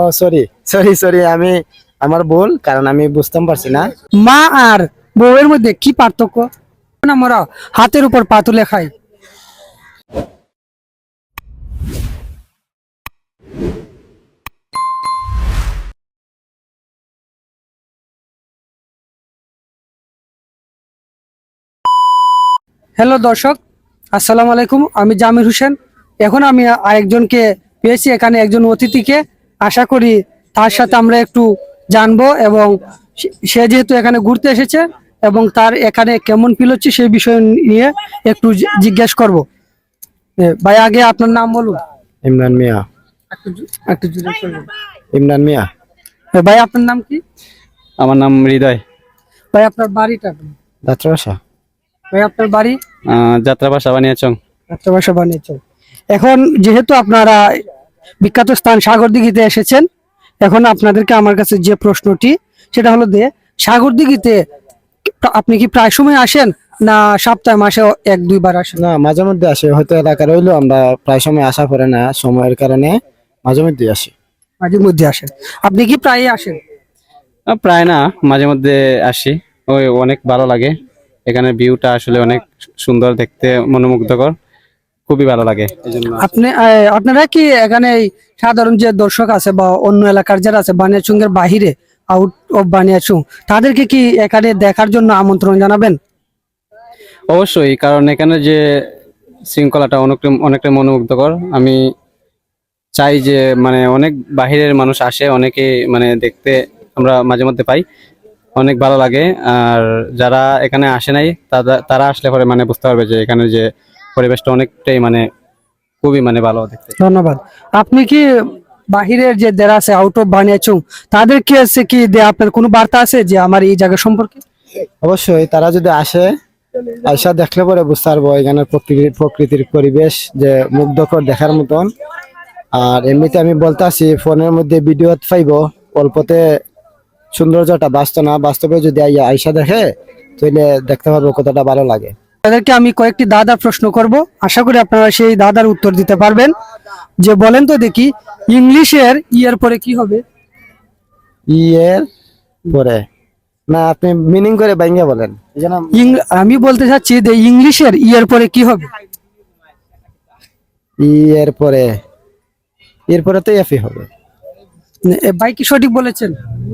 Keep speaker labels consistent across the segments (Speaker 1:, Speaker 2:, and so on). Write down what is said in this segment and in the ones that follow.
Speaker 1: Sorry sorry sorry, আমার ভুল, কারণ আমি বুঝতে পারছি না।
Speaker 2: মা আর বউয়ের মধ্যে কি পার্থক্য? আমরা হাতের উপর পা তুলে খাই। হ্যালো দর্শক, আসসালামু আলাইকুম। আমি জামির হোসেন। এখন আমি আরেকজনকে পেয়েছি এখানে, একজন অতিথিকে। আশা করি তার সাথে আমরা একটু জানবো, এবং সে যেহেতু এখানে ঘুরতে এসেছে এবং তার এখানে কেমন ফিল হচ্ছে সেই বিষয় নিয়ে একটু জিজ্ঞেস করবো। ভাই, আগে আপনার নাম বলুন।
Speaker 1: ইমরান মিয়া।
Speaker 2: একটু জিজ্ঞেস করবো।
Speaker 1: ইমরান মিয়া।
Speaker 2: ভাই, আপনার নাম কি?
Speaker 3: আমার নাম হৃদয়।
Speaker 2: ভাই, আপনার বাড়িটা?
Speaker 1: যাত্রাবাসা।
Speaker 2: ভাই, আপনার বাড়ি?
Speaker 3: যাত্রাবাসা বানিয়াচং।
Speaker 2: যাত্রাবাসা বানিয়েছে। এখন যেহেতু আপনারা বিখ্যাত স্থান সাগরদিঘিতে এসেছেন, এখন আপনাদেরকে আমার কাছে যে প্রশ্নটি, সেটা হলো যে সাগরদিঘিতে আপনি কি প্রায় সময় আসেন, না সপ্তাহে মাসে এক দুইবার আসেন?
Speaker 1: না, মাঝে মধ্যে আসে, হয়তো এলাকা রইলো, আমরা প্রায় সময় আসা পড়ে না সময়ের কারণে, মাঝে মধ্যে আসি।
Speaker 2: মাঝে মধ্যে আসেন। আপনি কি প্রায়ই আসেন?
Speaker 3: প্রায় না, মাঝে মধ্যে আসি। ওই অনেক ভালো লাগে, এখানে ভিউটা আসলে অনেক সুন্দর, দেখতে মনোমুগ্ধকর, খুবই ভালো লাগে এই জন্য।
Speaker 2: আপনারা কি এখানে এই সাধারণ যে দর্শক আছে বা অন্য এলাকার যারা আছে বানিয়াচুঙ্গের বাহিরে, আউট অফ বানিয়াচুং, তাদেরকে কি এখানে দেখার জন্য আমন্ত্রণ জানাবেন?
Speaker 3: অবশ্যই, কারণ এখানে যে শৃঙ্খলাটা অনেকটা মনোমুগ্ধকর। আমি চাই যে মানে অনেক বাহিরের মানুষ আসে, অনেকে মানে দেখতে আমরা মাঝে মধ্যে পাই, অনেক ভালো লাগে। আর যারা এখানে আসে নাই তারা আসলে পরে মানে বুঝতে পারবে যে এখানে যে পরিবেশটা অনেকটাই মানে খুবই মানে ভালো দেখতে।
Speaker 2: ধন্যবাদ। আপনি কি বাহিরের যে যারা আছে আউট অফ বানিয়াচুং, তাদেরকে আছে কি আপনার কোনো বার্তা আছে যে আমার এই জায়গা সম্পর্কে?
Speaker 1: অবশ্যই, তারা যদি আসে, আয়সা দেখলে পরে বুঝতে পারবো এখানে প্রকৃতির পরিবেশ যে মুগ্ধকর, দেখার মতন। আর এমনিতে আমি বলতে আসি, ফোনের মধ্যে ভিডিও পাইবো, অল্পতে সৌন্দর্যটা বাস্তব না, বাস্তবে যদি আয়সা দেখে তাহলে দেখতে পারবো কতটা ভালো লাগে।
Speaker 2: তাদেরকে আমি কয়েকটি দাদা প্রশ্ন করব, আশা করি আপনারা সেই দাদার উত্তর দিতে পারবেন। যে বলেন তো দেখি, ইংলিশের ইয়ের পরে কি হবে?
Speaker 1: ইয়ের পরে? না, আপনি মিনিং করে বাইঙ্গা বলেন।
Speaker 2: আমি বলতে চাচ্ছি যে ইংলিশের ইয়ের পরে কি হবে?
Speaker 1: ইয়ের পরে, এর পরে তো এফই হবে।
Speaker 2: ভাই কি সঠিক বলেছেন?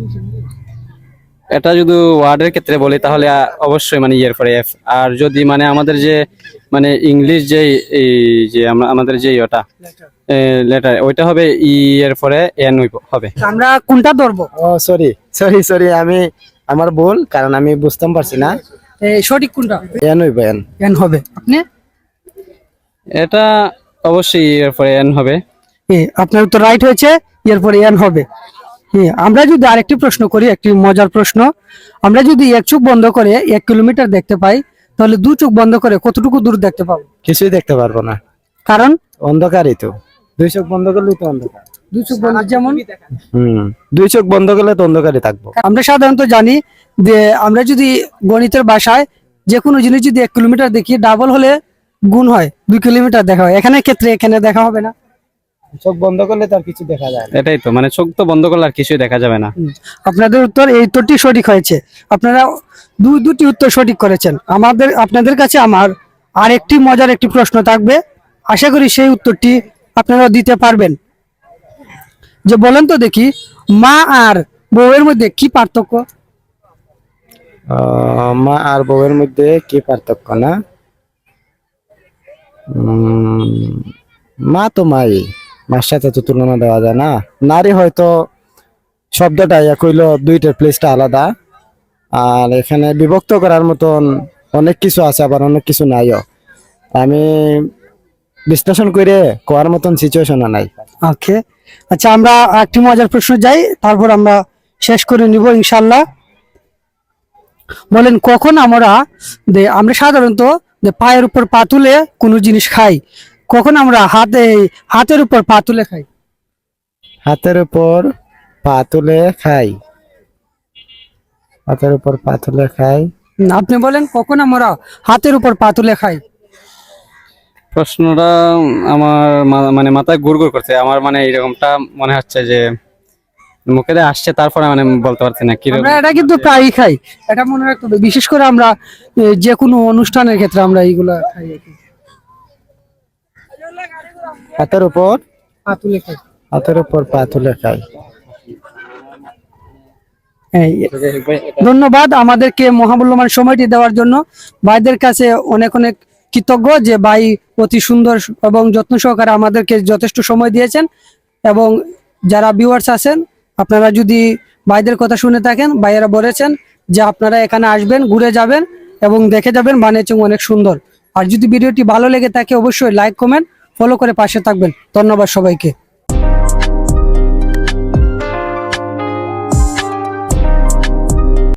Speaker 3: এটা যদি ওয়ার্ডের ক্ষেত্রে বলি তাহলে অবশ্যই মানে ইয়ের পরে এফ। আর যদি মানে আমাদের যে মানে ইংলিশ যে এই যে আমাদের যে ওটা লেটার, ওইটা হবে ই এর পরে এন হবে।
Speaker 2: আমরা কোনটা ধরবো?
Speaker 1: ও সরি সরি সরি, আমার ভুল, কারণ আমি বুঝতে পারছি না।
Speaker 2: সঠিক কোনটা?
Speaker 1: এন হইব, এন।
Speaker 2: এন হবে। আপনি?
Speaker 3: এটা অবশ্যই এর পরে এন হবে।
Speaker 2: আপনার উত্তর রাইট হয়েছে, এর পরে এন হবে। আমরা যদি আরেকটি প্রশ্ন করি, একটি মজার প্রশ্ন। আমরা যদি এক চোখ বন্ধ করে 1 কিলোমিটার দেখতে পাই, তাহলে দু চোখ বন্ধ করে কতটুকু দূর দেখতে পাবো?
Speaker 1: কিছুই দেখতে পারবো না,
Speaker 2: কারণ
Speaker 1: অন্ধকারই তো। দুই চোখ বন্ধ করলেই তো অন্ধকার।
Speaker 2: দু চোখ বন্ধ যেমন,
Speaker 1: দুই চোখ বন্ধ করলে তো অন্ধকারই থাকবো।
Speaker 2: আমরা সাধারণত জানি যে আমরা যদি গণিতের ভাষায় যে কোনো জিনিস যদি 1 কিলোমিটার দেখি, ডাবল হলে গুণ হয়, 2 কিলোমিটার দেখা হয়। এখানে ক্ষেত্রে এখানে দেখা হবে না।
Speaker 1: চোখ বন্ধ করলে তার কিছু দেখা যায় না।
Speaker 3: এটাই তো, মানে চোখ তো বন্ধ করলে আর কিছুই দেখা যাবে না।
Speaker 2: আপনাদের উত্তর, এই উত্তরটি সঠিক হয়েছে। আপনারা দুটি উত্তর সঠিক করেছেন। আপনাদের কাছে আমার আরেকটি মজার একটি প্রশ্ন থাকবে, আশা করি সেই উত্তরটি আপনারা দিতে পারবেন। যে বলেন তো দেখি, মা আর বউয়ের মধ্যে কি পার্থক্য?
Speaker 1: মা আর বউয়ের মধ্যে কি পার্থক্য? না, মা তো মাই, মার সাথে তো তুলনা দেওয়া যায় না। নারী হয়তো শব্দটা এক হইলো, দুইটার প্লেসটা আলাদা। আর এখানে বিভক্ত করার মতন অনেক কিছু আছে, আবার অনেক কিছু নাইও। আমি বিশ্লেষণ করে কোয়ার মতন সিচুয়েশনও নাই।
Speaker 2: ওকে, আচ্ছা, আমরা একটি মজার প্রশ্ন যাই, তারপর আমরা শেষ করে নিব ইনশাল্লাহ। বলেন, কখন আমরা সাধারণত পায়ের উপর পা তুলে কোনো জিনিস খাই, কখন আমরা হাতের উপর পা তুলে খাই?
Speaker 1: হাতের উপর পা তুলে খাই, হাতের উপর পা তুলে খাই।
Speaker 2: আপনি বলেন, কখন আমরা হাতের উপর পা তুলে খাই?
Speaker 3: প্রশ্নটা আমার মানে মাথায় ঘুরঘুর করছে। আমার মানে এরকমটা মনে হচ্ছে যে মুখে দিয়ে আসছে, তারপরে মানে আমি বলতে পারছি না কিরকম।
Speaker 2: আমরা এটা কিন্তু প্রায়ই খাই, এটা মনে রাখতে হবে। বিশেষ করে আমরা যে কোনো অনুষ্ঠানের ক্ষেত্রে আমরা এইগুলা খাই আর কি।
Speaker 1: হাতের উপর
Speaker 2: পাতুলে খাই।
Speaker 1: হাতের উপর পা তুলে খাই।
Speaker 2: এই, ধন্যবাদ আমাদেরকে মহামূল্যবান সময়টি দেওয়ার জন্য। ভাইদের কাছে অনেক অনেক কৃতজ্ঞ যে ভাই অতি সুন্দর এবং যত্ন সহকারে আমাদেরকে যথেষ্ট সময় দিয়েছেন। এবং যারা ভিউয়ার্স আছেন, আপনারা যদি ভাইদের কথা শুনে থাকেন, ভাইয়েরা বলেছেন যে আপনারা এখানে আসবেন, ঘুরে যাবেন এবং দেখে যাবেন বানিয়েছেন অনেক সুন্দর। আর যদি ভিডিওটি ভালো লেগে থাকে অবশ্যই লাইক কমেন্ট ফলো করে পাশে থাকবেন। ধন্যবাদ সবাইকে।